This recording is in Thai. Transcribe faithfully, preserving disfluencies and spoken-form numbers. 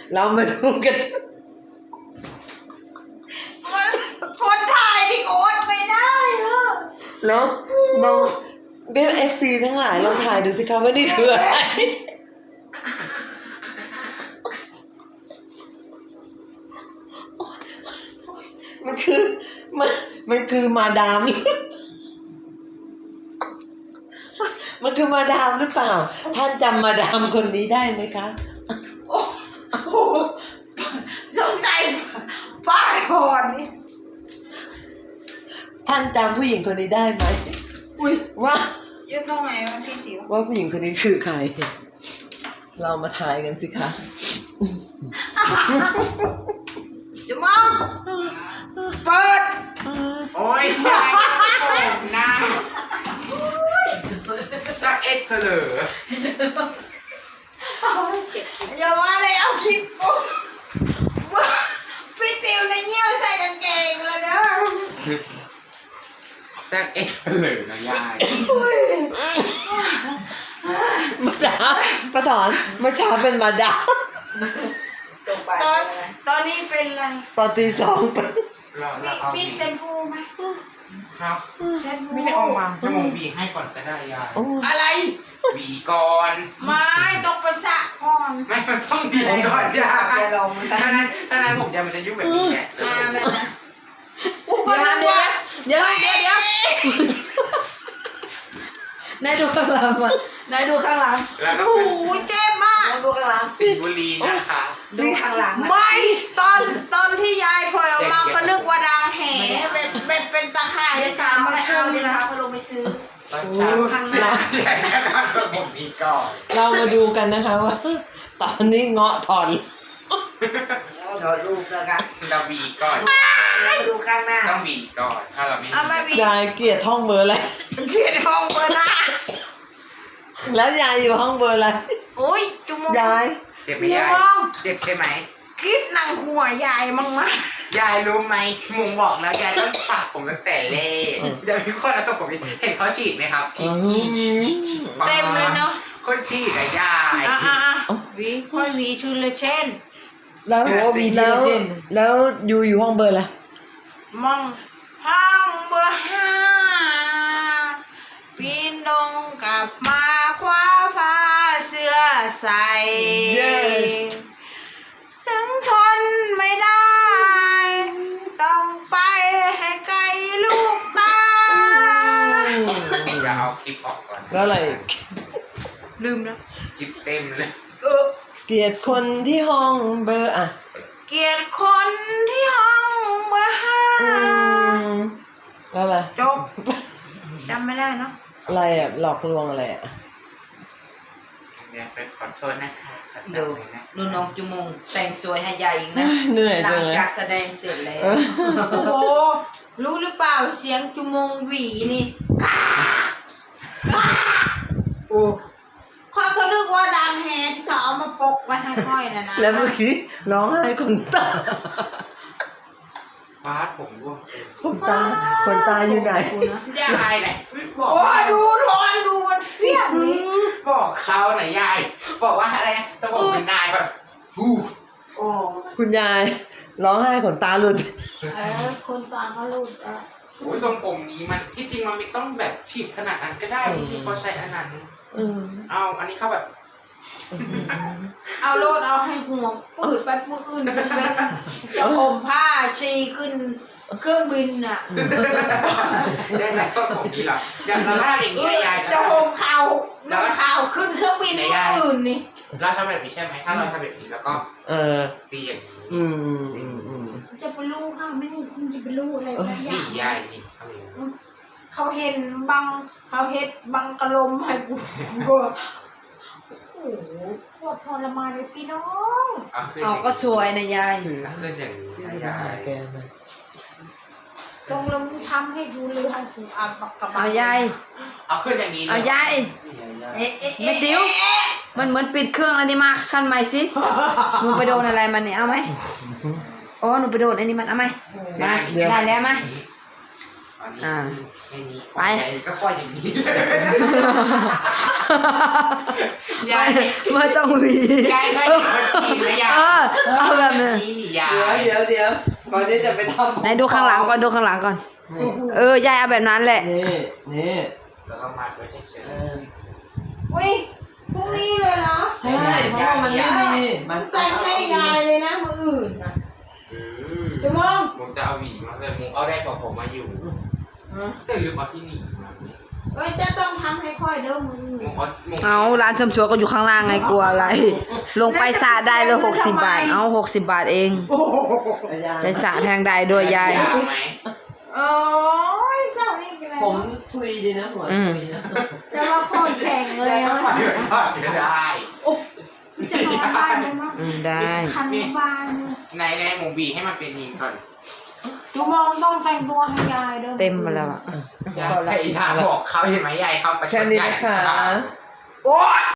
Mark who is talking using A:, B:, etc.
A: เรามาดูกัน
B: คนถ่ายที่โอ๊ตไม่ได้เหรอ
A: แล้วเราเบฟเอฟซีทั้งหลายลองถ่ายดูสิคะว่านี่คืออะไรมันคือมันมันคือมาดามมันคือมาดามหรือเปล่าท่านจำมาดามคนนี้ได้ไหมคะ
B: โอ้โหสงสัยป้าหอนนี่
A: ท่านจำผู้หญิงคนนี้ได้ไหมอุ้ยว่า
B: ยืนตรงไหนวะพี่จิ๋ว
A: ว่าผู้หญิงคนนี้คือใครเรามาทายกันสิคะ
B: จะมองเปิด
C: โอ้ยยายโอ้หน้าจะเอ็ดเผลอ
B: อย่ามาเลยเอาคลิปปุ๊บพี่จิ๋วในเยี่ยวใส่กางเกงแล้วเด้อ
C: จะเอ็ดเผลอนะยาย
A: มาจ้าป้าถอนมาช้าเป็นมาดาม
B: ตอนตอนนี้เป็นอะไร
A: ตอนตีสองเป็น
B: พี่เซนพูไหม
C: ครับไม่ได้ออกมาจะมองบีให้ก่อนก็ได้ยาย
B: อะไร
C: บีก่อน
B: ไม่ต้องประสะก่อน
C: ไม่มันต้องบีก่อนยายถ้านั้นถ้านั้นผมจะมันจะยุ่งแบบนี้แหละ
B: อุปกรณ์เดี๋ยว
D: เดี๋ยวเดี๋ยวเดี๋ยวนายดูข้างหลังมานายดูข้างหลัง
B: โอ้โหเจ็บมาก
D: ดูข้างหลัง
C: สิงห์บุรีนะคะ
D: ดูข้างหลัง
B: ไม่ตอนตอนที่ยายพลอยออกมาก็นึกว่าดังแห่เป็นเป็นเป็นตะข่าย
D: เดี๋ยวเช้ามาเอาเดี๋ยวเช้ามาลงไปซื้อ
C: ตอนเช้าข้างหน้าใหญ่ขนาดจะผมนี้ก่อน
A: เรามาดูกันนะคะว่าตอนนี้เงาะถอน
D: ถอดรูปแล้วกัน
C: เราบีก่อน
D: ดูข้างหน้า
C: ต้องบีก่อนถ้าเราไม่
A: ยายเกลียดห้องเบอร์อะไร
B: เกลียดห้องเบอร์หน้า
A: แล้วยายอยู่ห้องเบอร์อะไร
B: โอ้ยจุ๊ม
A: ยาย
C: เจ็บไหมยายเจ็บใช่ไหม
B: คิดหนังหัวยายมั้งมะ
C: ยายรู้ไหมมุงบอกแล้วยายต้องตัดผมตั้งแต่เล่เดี๋ยวพี่คนแล้วต้องผมเห็นเขาฉีดไหมครับฉีด
B: เต็มเลยเนาะ
C: คนฉีดอะยาย
B: อ่ะอ่ะวีค่อยวีชุนเลยเช่น
A: แล้วแล้วแล้วอยู่อยู่ห้องเบอร์อะไร
B: มั่งห้องเบอร์ห้าปีนลงกลับมาคว้าผ้าเสื้อใส่ถึงทนไม่ได้ต้องไปให้ไกลลูกตา
C: อย่าเอาคลิปออกก่อน
A: แล้วอะไร
B: ลืมนะ
C: คลิปเต็มเลย
A: เกลียดคนที่ห้องเบอร์อะ
B: เกลียดคนที่ห้องเบอร์ห้า
A: แล้วอะไร
B: จบจำไม่ได้เนาะ
A: อะไรอ่ะหลอกลวงอะไรอ่ะ
C: เดี๋ยวไปขอโทษนะคะ
D: ดูดูน้องจุมงแต่งสวยให้ยายอีกนะ
A: เหนื่อยจังเลย
D: หลังจากแสดงเสร็จแล้ว
B: โอ้โหรู้หรือเปล่าเสียงจุมงหวีนี่โอ้ค่อยก็นึกว่าดังแฮที่เขาเอามาปกไว้ให้ค่อยนะนะ
A: แล้วเมื่อกี้ร้องไห้คนตา
C: ฟาดผมร่วง
A: คนตาคนตาอยู่ไหน
C: ยายไหน
B: บอกว่าดูร้อนดูมันเฟี้ยงนี่
C: บอกเขาหน่อยยายบอกว่าอะไรจะบอกเป็นนายแบบฮู้
B: โอ้
A: คุณยายร้องไห้ขนตาหลุด
B: เออคนตาเขาหลุดอ่ะ
C: โอ้ยทรงผมนี้มันที่จริงมันไม่ต้องแบบฉีดขนาดนั้นก็ได้ที่เขาใช้อันนั้นเอาอันนี้เขาแบบ
B: เอาโลดเอาให้หัวปืดไปปืดอื่นเป็นจะห่มผ้าชีขึ้นเครื่องบินอ่ะ
C: ได้แต่ทรงผมนี้หรออย่างเราถ้าอย่างนี้ยาย
B: จะห่มข่าวน้ำข่าวขึ้นเครื่องบินอื่นนี่
C: เราทำแบบนี้ใช่ไหมถ้าเราทำแบบนี้แล้วก็
A: เออ
C: ตีอย่างนี้
A: อืมอืมอืม
B: จะไปรู้ค่ะไม่คุณจะไปรู้อะไรสักอย่าง
C: นี่ยายนี่
B: เขาเห็นบังเขาเห็นบังกระลมให้กูก็โอ้โหปวดทรมานเลยพี่น้อง
D: อ๋อก็สวยนะยาย
C: ขึ้นอย่างนี้ยาย
B: ตรงลงทำให้ดูเลยให้กูอ่านปากกระบา
D: เอายาย
C: เอาขึ้นอย่างนี้
D: เอายายไม่ติ้วมันเหมือนปิดเครื่องอะไรนี่มาขั้นใหม่สิหนูไปโดนอะไรมันเนี่ยเอาไหมอ๋อหนูไปโดนอันนี้มันเอาไหมได้แล้วไหม
C: อนนี้
D: อ่า
C: ไม่มี
D: ไป
C: ใหญ่ก็ปล่อยอย่างนี้ยา
D: ไม่
C: ย
D: ไม่ต้องหวี
C: ยายเคยเห็นคนจีนไหมยาย
D: เออเอาแบบนี้
C: นี้มียา
A: เดี๋ยวย เดี๋ยวเดี๋ยวก่อนที่จะไปทำ
D: ไหนดูข้างหลังก่อนดูข้างหลังก่อน
A: นี่
D: เออยายเอาแบบนั้นแหละ
A: นี่นี่
C: แล้วก็มัดไว้เฉย
A: เออ
B: อุ้ยพรุ่งนี้เลยเหรอ
A: ใช่เพราะว่ามันไม่มีมัน
B: แต่งให้ยายเลยนะมืออื่นนะ
C: ๆอืม
B: เดี๋ยวมอง
C: ผมจะเอาหวีมาเลยผมเอาได้กว่าผมมาอยู่แต่ลืมเอาที่หนีมา
B: เอ้ยจะต้องทำให้ค่อยเด้อมืออื่น
C: ผมเอาผม
D: เอาร้านเสริมสวยก็อยู่ข้างล่างไงกลัวอะไร ลงไปสระได้เลยหกสิบบาท เอาหกสิบบาทเอง
B: โอ้โห
D: ไปสระแทงได้ด้วยยาย
C: ยาวไหม
B: โอ้ยเจ้านี่เป็นไร
A: ผมทุยดีนะหัวทุยนะ
B: จะมาโคตรแข็งเลย
C: ก็
B: นะ
C: ปล่อยไว้ก่อนก็ได้
B: จะนอนบ้านไหมมั้ง
D: อืมได้
B: คันบ้านเลย
C: ในในหมูบีให้มันเป็นยิงก่อน
B: ดูมองต้องแต่งตัวให้ยายเด้อ
D: เต็มมาแล้วอ่ะ
C: ยายยายบอกเขาเห็นไหมยายเขาประช
A: แค่
C: ด
A: นี้
C: ยาย
A: นะคะ
C: โอ๊ย